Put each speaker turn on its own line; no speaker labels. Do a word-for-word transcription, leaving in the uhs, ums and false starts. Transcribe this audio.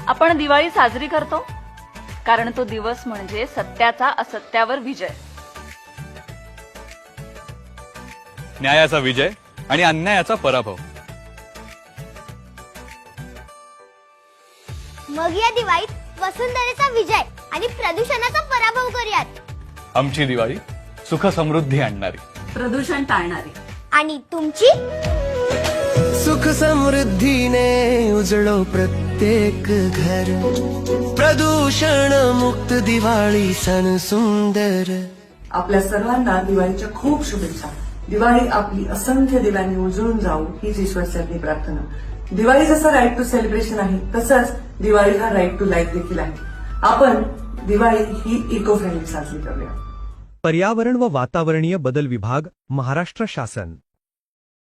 आपण दिवाळी साजरी करतो कारण तो दिवस म्हणजे सत्याचा असत्यावर विजय,
न्यायाचा विजय आणि अन्यायाचा पराभव.
मग या दिवाळीत वसुंधरेचा विजय आणि प्रदूषणाचा पराभव करूयात.
आमची दिवाळी सुख समृद्धी आणणारी,
प्रदूषण टाळणारी.
आणि तुमची
सुख समृद्धीने उजळो प्रत्येक घर. प्रदूषण मुक्त दिवाळी सण सुंदर.
आपल्या सर्वांना दिवाळीच्या खूप शुभेच्छा. दिवाळी आपली असंख्य दिव्यांनी उजळून जाऊ हीच ईश्वरचरणी प्रार्थना. दिवाळी जसं राईट टू सेलिब्रेशन आहे तसंच दिवाळी हा राईट टू लाईफ देखील आहे. आपण दिवाळी ही इको फ्रेंडली साजरी करूया.
पर्यावरण व वातावरणीय बदल विभाग, महाराष्ट्र शासन.